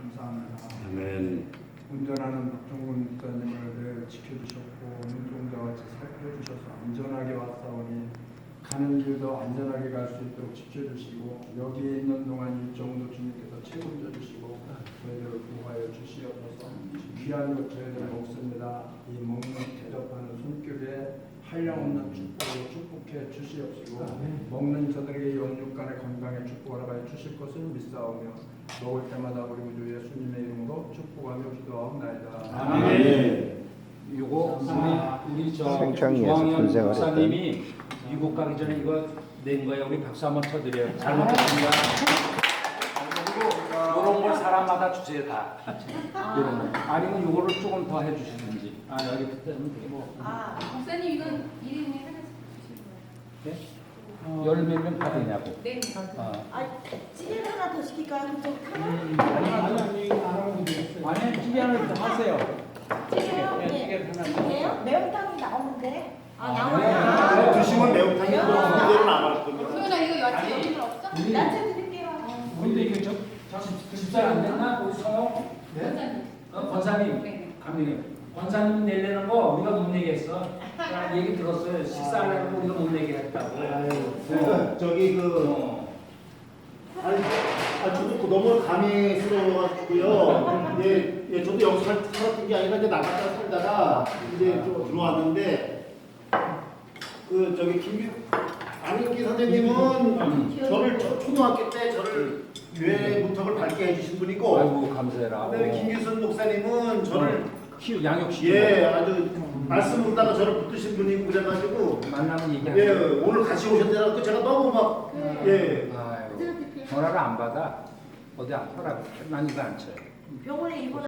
감사합니다. 아멘. 운전하는 박종근 목사님을 늘 지켜주셨고 눈동자 같이 살펴주셔서 안전하게 왔사오니 가는 길도 안전하게 갈 수 있도록 지켜주시고 여기에 있는 동안 일정도 주님께서 책임져 주시고 저희들을 구하여 주시옵소서. 귀한 것 저희들 먹습니다. 이 먹는 대접하는 손길에 한량없는 축복으로 축복해 주시옵시고 먹는 저들에게 영육간의 건강에 축복을 허락하여 주실 것을 믿사오며 먹을 때마다 우리 구주 예수님의 이름으로 축복하며 기도하옵나이다. 아멘. 요거 우리 저 생창리에서 조항현 군생활 목사님이 미국 가기 전에 이거 낸 거예요. 우리 박수 한번 쳐드려요. 잘 먹겠습니다. 그리고 이런 걸 사람마다 주세요 다. 이런 거. 아니면 요거를 조금 더 해주시든지. 아 여기 그때는 뭐. 아, 목사님 이건 일인에 하나씩 주시는 거예요? 네? 열몇 명 다 되냐고. 네. 아, 찌개를 하나 더 시킬까요? 그쪽 하나? 아니 찌개 하나 더 하세요. 찌개요? 네, 찌개를 하나 더. 찌개요? 매운탕이 나오는데. 아, 나와요. 드시면 매운탕이 그대로 남을 겁니다. 소연아 이거 야채 여기는 없어? 야채 드릴게요. 근데 이게 집사 안 됐나? 우리 성호? 원장님. 권사님. 네. 감독님. 권사님 내려는 거 우리가 못 내게 했어. 나 얘기 들었어요. 식사하려고 우리가 못 내게 했다고. 그러니까 저기 저도 너무 감회스러워가지고요. 저도 여기 살았던 게 아니라 이제 나갔다 살다가 이제 좀 들어왔는데 저기 안인기 선생님은 저를 초등학교 때 저를 유해 문턱을 밟게 해주신 분이고, 아이고 감사해라. 그다음에 김규선 목사님은 저를 양육시키고 아주 말씀 듣다가 저를 붙드신 분이고 그래가지고 만나면 얘기하고. 오늘 같이 오셨더라고 제가 너무 막 아이고 전화를 안 받아. 어디 안 하라고. 난 이거 안 쳐요. 병원에 입원